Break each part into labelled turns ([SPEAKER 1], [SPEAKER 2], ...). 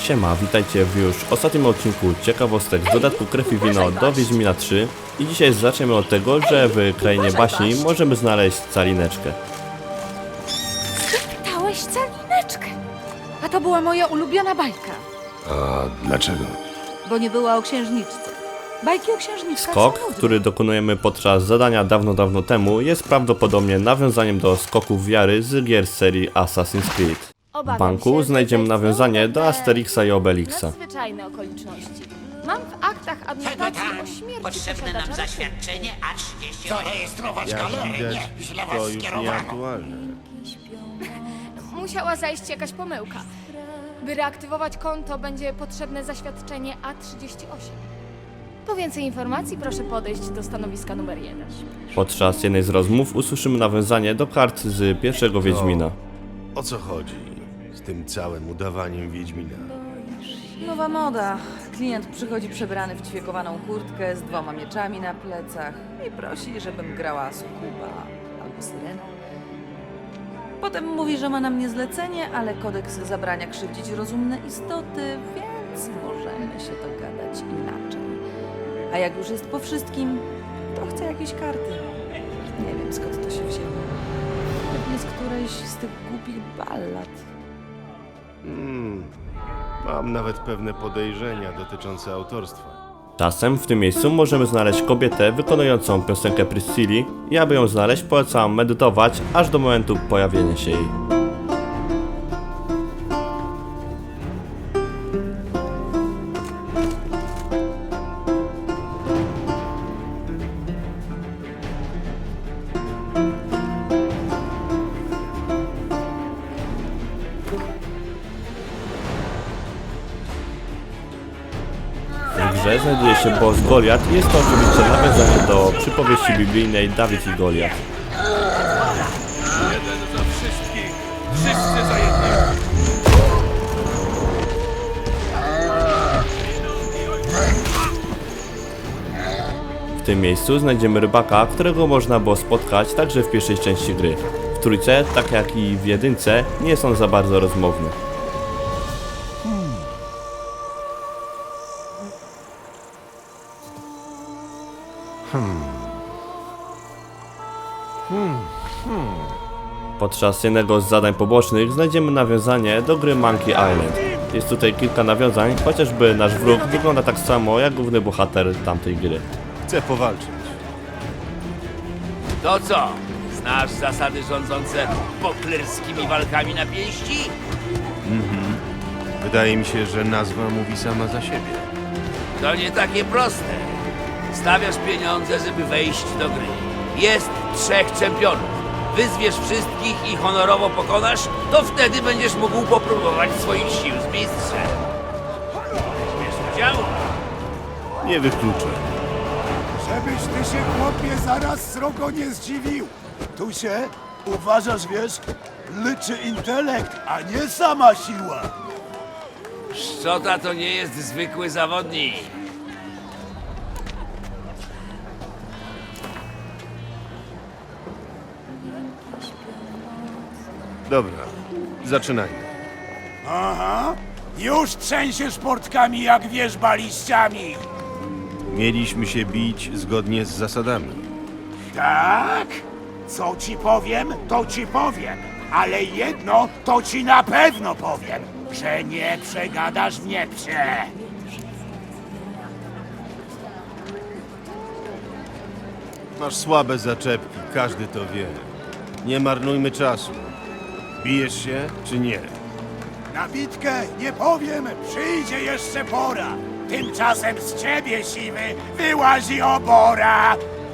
[SPEAKER 1] Siema, witajcie w już ostatnim odcinku ciekawostek z dodatku Krew i Wino do Wiedźmina 3 i dzisiaj zaczniemy od tego, że w Krainie Baśni możemy znaleźć calineczkę.
[SPEAKER 2] Spytałeś calineczkę. A to była moja ulubiona bajka,
[SPEAKER 3] A dlaczego?
[SPEAKER 2] bo nie była o księżniczce. Bajki o księżniczkach
[SPEAKER 1] Skok,
[SPEAKER 2] są nudne.
[SPEAKER 1] który dokonujemy podczas zadania dawno temu, jest prawdopodobnie nawiązaniem do skoków wiary z gier z serii Assassin's Creed. W banku znajdziemy nawiązanie do Asterixa i Obelixa.
[SPEAKER 4] Nadzwyczajne okoliczności. Mam w aktach adnotacji o śmierci
[SPEAKER 5] Potrzebne nam
[SPEAKER 4] posiadacza
[SPEAKER 5] zaświadczenie A30.
[SPEAKER 3] Jak widać, to już nieaktualne.
[SPEAKER 4] Musiała zajść jakaś pomyłka. By reaktywować konto, będzie potrzebne zaświadczenie A38. Po więcej informacji proszę podejść do stanowiska numer 1.
[SPEAKER 1] Podczas jednej z rozmów usłyszymy nawiązanie do kart z pierwszego Wiedźmina.
[SPEAKER 3] O co chodzi z tym całym udawaniem Wiedźmina?
[SPEAKER 2] Nowa moda. Klient przychodzi przebrany w ćwiekowaną kurtkę z 2 mieczami na plecach i prosi, żebym grała sukuba albo syrenę. Potem mówi, że ma na mnie zlecenie, ale kodeks zabrania krzywdzić rozumne istoty, więc możemy się dogadać inaczej. A jak już jest po wszystkim, to chce jakieś karty. Nie wiem, skąd to się wzięło. Pewnie z którejś z tych głupich ballad.
[SPEAKER 3] Mam nawet pewne podejrzenia dotyczące autorstwa.
[SPEAKER 1] Czasem w tym miejscu możemy znaleźć kobietę wykonującą piosenkę Priscilli i aby ją znaleźć, polecam medytować aż do momentu pojawienia się jej. W grze znajduje się boss Goliat i jest to oczywiście nawiązanie do przypowieści biblijnej Dawid i Goliat.
[SPEAKER 6] Jeden za wszystkich, wszyscy za jednego.
[SPEAKER 1] W tym miejscu znajdziemy rybaka, którego można było spotkać także w pierwszej części gry. W trójce, tak jak i w jedynce, nie jest on za bardzo rozmowny. Podczas jednego z zadań pobocznych znajdziemy nawiązanie do gry Monkey Island. Jest tutaj kilka nawiązań, chociażby nasz wróg wygląda tak samo jak główny bohater tamtej gry.
[SPEAKER 3] Chcę powalczyć.
[SPEAKER 6] To co? Znasz zasady rządzące poklerskimi walkami na pięści?
[SPEAKER 3] Wydaje mi się, że nazwa mówi sama za siebie.
[SPEAKER 6] To nie takie proste. Stawiasz pieniądze, żeby wejść do gry. Jest 3 czempionów. Wyzwiesz wszystkich i honorowo pokonasz, to wtedy będziesz mógł popróbować swoich sił z mistrzem. Wiesz, udział?
[SPEAKER 3] Nie wykluczę.
[SPEAKER 7] Żebyś ty się, chłopie, zaraz srogo nie zdziwił. Tu się, uważasz, wiesz, liczy intelekt, a nie sama siła.
[SPEAKER 6] Szczota to nie jest zwykły zawodnik.
[SPEAKER 3] Dobra, zaczynajmy.
[SPEAKER 7] Aha, już trzęsiesz portkami jak wierzba liściami.
[SPEAKER 3] Mieliśmy się bić zgodnie z zasadami.
[SPEAKER 7] Tak? Co ci powiem, to ci powiem. Ale jedno to ci na pewno powiem, że nie przegadasz mnie, psie.
[SPEAKER 3] Masz słabe zaczepki, każdy to wie. Nie marnujmy czasu. Bijesz się, czy nie?
[SPEAKER 7] Na bitkę nie powiem, przyjdzie jeszcze pora. Tymczasem z ciebie, siwy, wyłazi obora.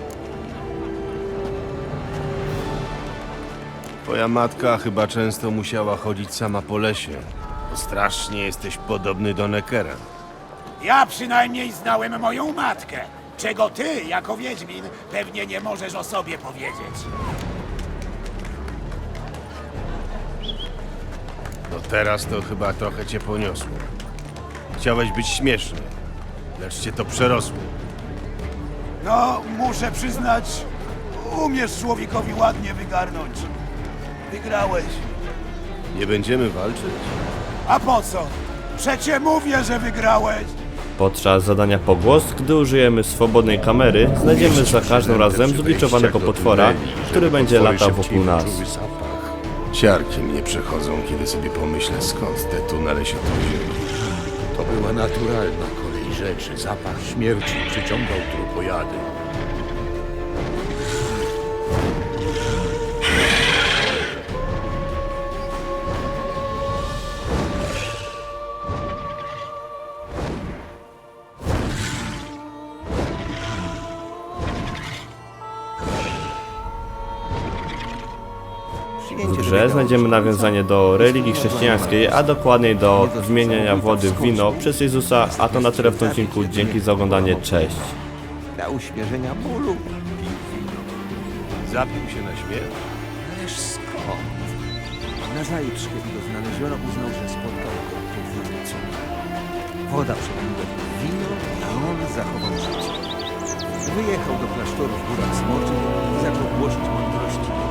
[SPEAKER 3] Twoja matka chyba często musiała chodzić sama po lesie. Strasznie jesteś podobny do Neckera.
[SPEAKER 7] Ja przynajmniej znałem moją matkę, czego ty, jako Wiedźmin, pewnie nie możesz o sobie powiedzieć.
[SPEAKER 3] No teraz to chyba trochę cię poniosło. Chciałeś być śmieszny, lecz cię to przerosło.
[SPEAKER 7] No, muszę przyznać, umiesz człowiekowi ładnie wygarnąć. Wygrałeś.
[SPEAKER 3] Nie będziemy walczyć?
[SPEAKER 7] A po co? Przecie mówię, że wygrałeś!
[SPEAKER 1] Podczas zadania pogłos, gdy użyjemy swobodnej kamery, znajdziemy za każdym razem zbiczowanego potwora, który będzie latał wokół nas.
[SPEAKER 3] Ciarki mnie przechodzą, kiedy sobie pomyślę, skąd te tunele się tu wzięły.
[SPEAKER 8] To była naturalna kolej rzeczy. Zapach śmierci przyciągał trupojady.
[SPEAKER 1] W grze znajdziemy nawiązanie do religii chrześcijańskiej, a dokładniej do zmieniania wody w wino przez Jezusa, a to na tyle w tym odcinku. Dzięki za oglądanie, cześć.
[SPEAKER 9] Dla uśmierzenia bólu.
[SPEAKER 3] Zapił się na śmierć?
[SPEAKER 9] Ależ skąd? Nazajutrz, kiedy go znaleziono, uznał, że spotkał go podwójny cud. Woda przemieniła go w wino, a on zachował życie. Wyjechał do klasztoru w górach Smoczych i zaczął głosić mądrości